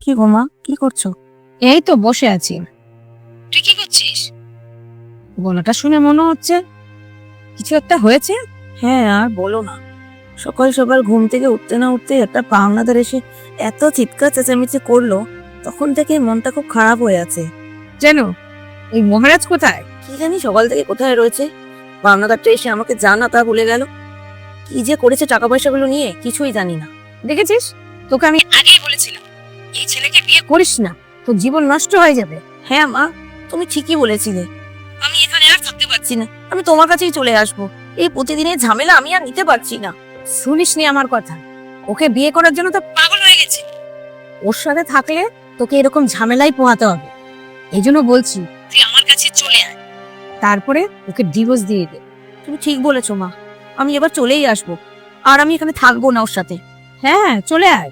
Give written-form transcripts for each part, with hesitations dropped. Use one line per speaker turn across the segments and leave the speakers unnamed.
কি গো মা, কি করছো?
এই তো বসে আছি। তুই কি করছিস? গলাটা শুনে মনে হচ্ছে কিছু একটা হয়েছে।
হ্যাঁ, আর বলো না। সকাল সকাল ঘুম থেকে উঠতে না উঠতে একটা পাওনাদার এসে এত চিৎকার চেঁচামেচি করলো, তখন থেকে মনটা খুব খারাপ হয়ে আছে।
যেন এই মহারাজ কোথায়?
কি জানি সকাল থেকে কোথায় রয়েছে। পাওনাদারটা এসে আমাকে যা না তা বলে গেল। কি যে করেছে টাকা পয়সাগুলো নিয়ে কিছুই জানি না।
দেখেছিস, তোকে আমি আগেই বলেছিলাম এই ছেলেকে বিয়ে করিস না, তোর জীবন নষ্ট হয়ে যাবে।
হ্যাঁ মা, তুমি ঠিকই বলেছিলে। আমি এখানে আর থাকতে পারছি না, আমি তোমার কাছেই চলে আসবো। এই প্রতিদিনের ঝামেলা আমি আর নিতে পারছি না।
শুনিসনি আমার কথা? ওকে বিয়ে করার জন্য তো পাগল হয়ে গেছে। ওর সাথে থাকলে তোকে এরকম ঝামেলাই পোহাতে হবে। এই জন্য বলছি তুই আমার কাছে চলে আয়, তারপরে ওকে ডিভোর্স দিয়ে দে।
তুমি ঠিক বলেছো মা, আমি এবার চলেই আসবো। আর আমি এখানে থাকবো না ওর সাথে।
হ্যাঁ, চলে আয়।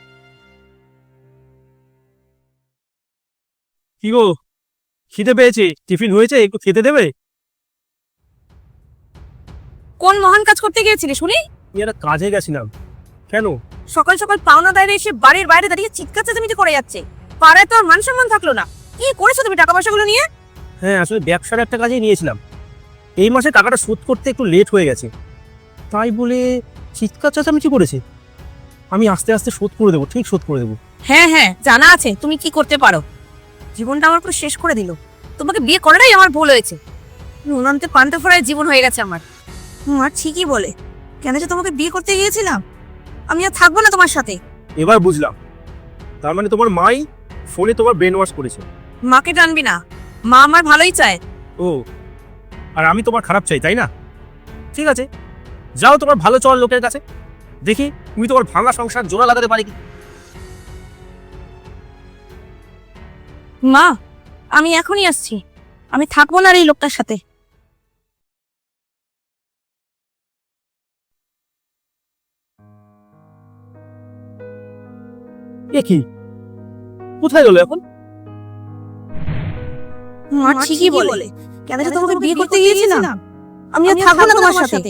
কি গো, খিদে পেয়েছে? টিফিন হয়েছে, একটু খেতে দেবে?
কোন মহান কাজ করতে গিয়েছিলে শুনি?
আমি একটা কাজে গেছিলাম। কেন?
সকাল সকাল পাওনাদার এসে বাড়ির বাইরে দাঁড়িয়ে চিৎকার চেঁচামেচি করে যাচ্ছে। পাড়ায় তো আর মান সম্মান থাকলো না। কি করেছো তুমি টাকা পয়সাগুলো নিয়ে?
হ্যাঁ, আসলে ব্যবসার একটা কাজে নিয়েছিলাম। এই মাসে টাকাটা শোধ করতে একটু লেট হয়ে গেছে, তাই বলে চিৎকার চেঁচামেচি করেছে। আমি আস্তে আস্তে শোধ করে দেবো, ঠিক শোধ করে দেবো।
হ্যাঁ হ্যাঁ, জানা আছে তুমি কি করতে পারো। জীবনটা আমার পুরো শেষ করে দিল। তোমাকে বিয়ে করাটাই আমার ভুল হয়েছে। নুনান্তে পান্তা ফোড়ায় জীবন হয়ে গেছে আমার। আর ঠিকই বলে, কেন যে তোমাকে বিয়ে করতে গিয়েছিলাম। আমি আর থাকবো না তোমার সাথে।
এবার বুঝলাম, তার মানে তোমার মাই ফোনে তোমার ব্রেন ওয়াশ করেছে।
মাকে টানবি না, মা আমার ভালোই চায়।
ও, আর আমি তোমার খারাপ চাই, তাই না? ঠিক আছে, যাও তোমার ভালো চল লোকের কাছে, দেখি তুমি তোমার ভাঙা সংসার জোড়া লাগাতে পারি কি।
মা, আমি এখনই আসছি। আমি থাকবো না আর এই লোকটার সাথে।
এ কি, কোথায় গেল এখন?
মা ঠিকই বলে, কেন যে তোমাকে বিয়ে করতে গিয়েছিলাম। আমি আর থাকবো না তোমার সাথে।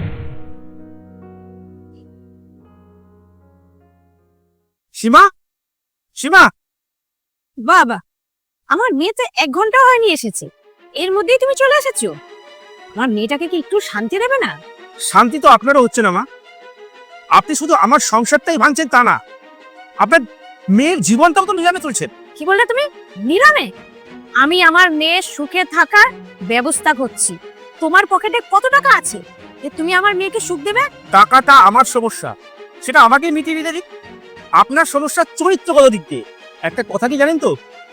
সীমা, সীমা!
বাবা, আমার মেয়ে তো 1 ঘন্টা হয়নি এসেছে, এর মধ্যেই তুমি চলে এসেছো। আমার মেয়েটাকে কি একটু শান্তি দেবে না?
শান্তি তো আপনারও হচ্ছে না মা। আপনি শুধু আমার সংসারটাই ভাঙছেন তা না, আপনার মেয়ের জীবনটাও তো নিলামে তুলছেন।
কি বললে তুমি? নিরামে? আমি আমার মেয়ের সুখে থাকার ব্যবস্থা করছি। তোমার পকেটে কত টাকা আছে যে তুমি আমার মেয়েকে সুখ দেবে?
টাকাটা আমার সমস্যা, সেটা আমাকে মিটিয়ে দিতে দিক। আপনার সমস্যা চরিত্রগত দিক দিয়ে। একটা কথা কি জানেন তো,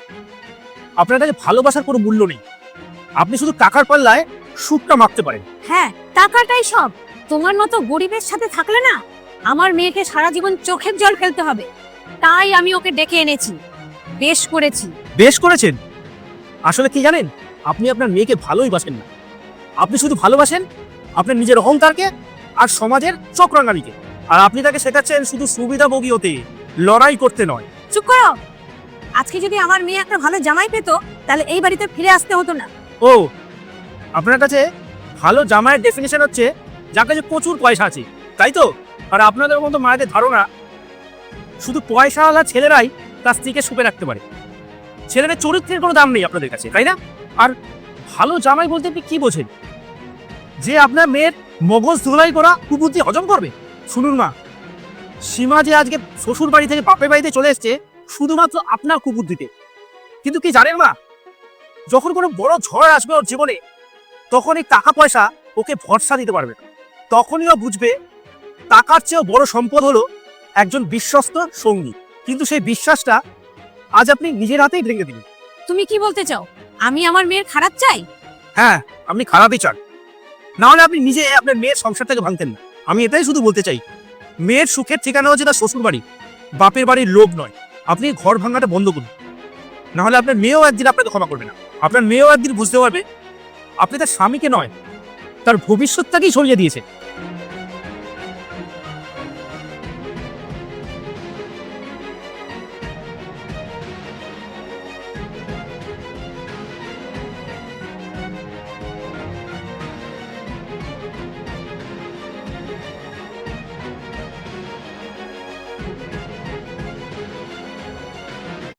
আপনার কাছে ভালোবাসার কোনো মূল্য নেই। আপনি শুধু টাকার পাল্লায় সুখটা মাপতে পারেন।
হ্যাঁ, টাকাটাই সব। তোমার মতো গরিবের সাথে থাকলে না, আমার মেয়েকে সারা জীবন চোখের জল ফেলতে হবে। তাই আমি ওকে ডেকে এনেছি, বেশ করেছি।
বেশ করেছেন। আসলে কি জানেন, আপনি আপনার মেয়েকে ভালোই বাসেন না। আপনি শুধু ভালোবাসেন আপনার নিজের অহংকারকে আর সমাজের চক্রাঙ্গানিকে। আর আপনি তাকে শেখাচ্ছেন শুধু সুবিধাভোগী হতে, লড়াই করতে নয়।
চুপ করো। আজকে যদি আমার মেয়ে একটা ভালো জামাই পেত, তাহলে এই বাড়িতে ফিরে আসতে হতো না।
ও, আপনার কাছে ভালো জামাইয়ের ডেফিনেশন হচ্ছে যার কাছে প্রচুর পয়সা আছে, তাই তো? আর আপনাদের মতো মায়েদের ধারণা শুধু পয়সাওয়ালা ছেলেরাই তার স্ত্রীকে সুখে রাখতে পারে। ছেলেদের চরিত্রের কোনো দাম নেই আপনাদের কাছে, তাই না? আর ভালো জামাই বলতে আপনি কি বোঝেন? যে আপনার মেয়ের মগজ ধুলাই করা কুবুদ্ধি হজম করবে? শুনুন মা, সীমা যে আজকে শ্বশুর বাড়ি থেকে বাপের বাড়িতে চলে এসছে শুধুমাত্র আপনার কুবুদ্ধিতে। কিন্তু কি জানেন মা, যখন কোনো বড় ঝড় আসবে ওর জীবনে, তখন এই টাকা পয়সা ওকে ভরসা দিতে পারবে না। তখনই ও বুঝবে টাকার চেয়েও বড় সম্পদ হলো একজন বিশ্বস্ত সঙ্গী। কিন্তু সেই বিশ্বাসটা আজ আপনি নিজের হাতেই ভেঙে দিলেন।
তুমি কি বলতে চাও? আমি আমার মেয়ের খারাপ চাই?
হ্যাঁ, আপনি খারাপই চান, না হলে আপনি নিজে আপনার মেয়ের সংসারটাকে ভাঙতেন না। আমি এটাই শুধু বলতে চাই, মেয়ের সুখের ঠিকানা হচ্ছে তার শ্বশুর বাড়ি, বাপের বাড়ির লোভ নয়। আপনি ঘর ভাঙাটা বন্ধ করুন, না হলে আপনার মেয়েও একদিন আপনাকে ক্ষমা করবে না। আপনার মেয়েও একদিন বুঝতে পারবে আপনি তার স্বামীকে নয়, তার ভবিষ্যৎটাকেই সরিয়ে দিয়েছে।